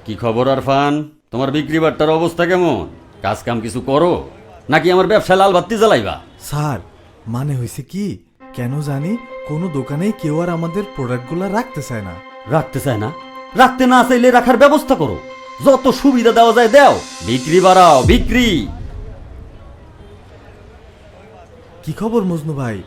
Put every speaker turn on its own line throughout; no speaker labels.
কি খবর আরফান? তোমার বিক্রি বাট্টার অবস্থা কেমন? কাজ কাম কিছু করো নাকি আমার ব্যবসায় লাল বাতি জ্বালাইবা?
স্যার মানে হয়েছে কি, কেন জানি কোনো দোকানেই কেউ আর আমাদের প্রোডাক্টগুলো রাখতে চায় না।
রাখতে চায় না? রাখতে না চাইলে রাখার ব্যবস্থা করো, যত সুবিধা দেওয়া যায় দাও, বিক্রি বাড়াও, বিক্রি।
কি খবর মজনু ভাই,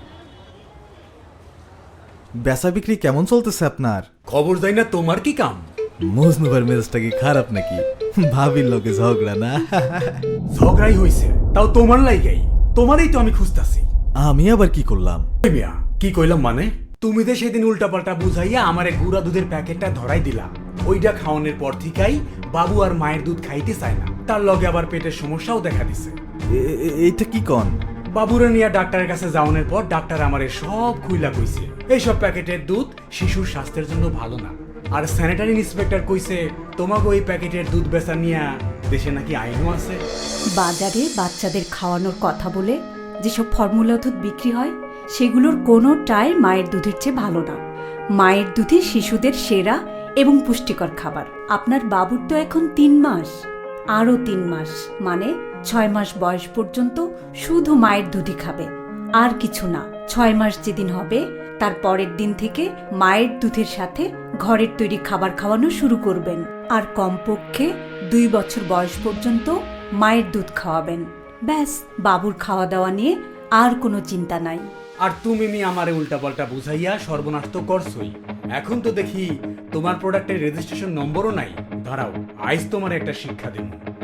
বেচা বিক্রি কেমন চলতেছে আপনার?
খবর যাই না, তোমার কি কাম?
মজনু ভাইয়ের মেজাজটা কি খারাপ নাকি? ভাবির লোকে ঝগড়া না?
ঝগড়াই হইছে, তাও তোমার লাইগাই। তোমারই তো আমি খুঁজতাছি।
আমি আবার কি করলাম?
এই মিয়া, কি কইলাম মানে? তুমি যে সেদিন উল্টাপাল্টা বুঝাইয়া আমারে গুড়া দুধের প্যাকেটটা ধরাই দিলা, ওইটা খাওয়ানোর পর থেকেই বাবু আর মায়ের দুধ খাইতে চায় না, তার লগে আবার পেটের সমস্যাও দেখা দিছে।
এইটা কি কন?
বাবুরে নিয়ে ডাক্তারের কাছে যাওয়ানোর পর ডাক্তার আমারে সব খুইলা কইছে এইসব প্যাকেটের দুধ শিশুর স্বাস্থ্যের জন্য ভালো না। আর স্যানিটারি ইন্সপেক্টর কইছে তোমাকে ওই প্যাকেটের দুধ বেচা নিয়ে দেশে নাকি আইনও আছে।
বাজারে বাচ্চাদের খাওয়ানোর কথা বলে যেসব ফর্মুলা দুধ বিক্রি হয় সেগুলোর কোনোটাই মায়ের দুধের চেয়ে ভালো না। মায়ের দুধই শিশুদের সেরা এবং পুষ্টিকর খাবার। আপনার বাবুর তো এখন 3 মাস, আরও 3 মাস, মানে 6 মাস বয়স পর্যন্ত শুধু মায়ের দুধই খাবে, আর কিছু না। 6 মাস যেদিন হবে তার পরের দিন থেকে মায়ের দুধের সাথে ঘরের তৈরি খাবার খাওয়ানো শুরু করবেন, আর কমপক্ষে 2 বছর বয়স পর্যন্ত মায়ের দুধ খাওয়াবেন। ব্যাস, বাবুর খাওয়া দাওয়া নিয়ে আর কোনো চিন্তা নাই।
আর তুমি মি আমারে উল্টাপাল্টা বুঝাইয়া সর্বনাশ তো করছই। এখন তো দেখি তোমার প্রোডাক্টের রেজিস্ট্রেশন নম্বরও নাই। দাঁড়াও, আইজ তোমার একটা শিক্ষা দেব।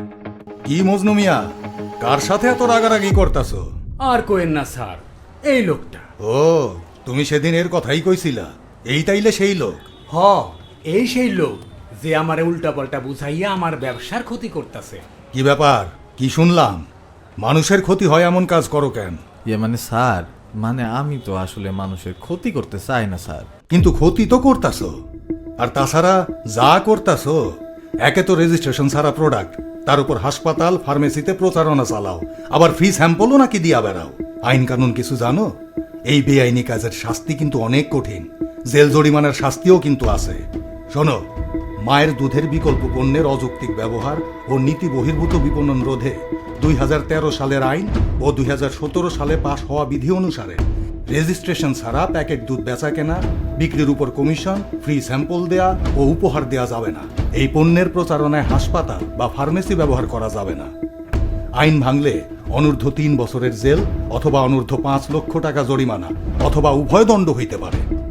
কি মজনু মিয়া, কার সাথে এত রাগারাগি করতাছো?
আর কোয়েন না স্যার, এই লোকটা।
ও, তুমি সেদিন এর কথাই কইছিলা, এই তাইলে সেই লোক?
হ, এই সেই লোক যে আমারে উল্টাপাল্টা বুঝাইয়া আমার ব্যবসার ক্ষতি করতেছে।
কি ব্যাপার, কি শুনলাম? মানুষের ক্ষতি হয় এমন কাজ করো কেন?
মানে স্যার, মানে আমি তো আসলে মানুষের ক্ষতি করতে চাই না স্যার।
কিন্তু ক্ষতি তো করতাছো, আর তাছাড়া যা করতাছো, একে তো রেজিস্ট্রেশন ছাড়া প্রোডাক্ট, তার উপর হাসপাতাল ফার্মেসিতে প্রচারণা চালাও, আবার ফ্রি স্যাম্পলও নাকি দিয়া বেড়াও। আইন কানুন কিছু জানো? এই বেআইনি কাজের শাস্তি কিন্তু অনেক কঠিন, জেল জরিমানার শাস্তিও কিন্তু আছে। শোনো, মায়ের দুধের বিকল্প পণ্যের অযৌক্তিক ব্যবহার ও নীতি বহির্ভূত বিপণন রোধে 2013 সালের আইন ও 2017 সালে পাশ হওয়া বিধি অনুসারে রেজিস্ট্রেশন ছাড়া প্যাকেট দুধ বেচা কেনা, বিক্রির উপর কমিশন, ফ্রি স্যাম্পল দেয়া ও উপহার দেয়া যাবে না। এই পণ্যের প্রচারণায় হাসপাতাল বা ফার্মেসি ব্যবহার করা যাবে না। আইন ভাঙলে অনূর্ধ্ব 3 বছরের জেল অথবা অনূর্ধ্ব 5 লক্ষ টাকা জরিমানা অথবা উভয় দণ্ড হইতে পারে।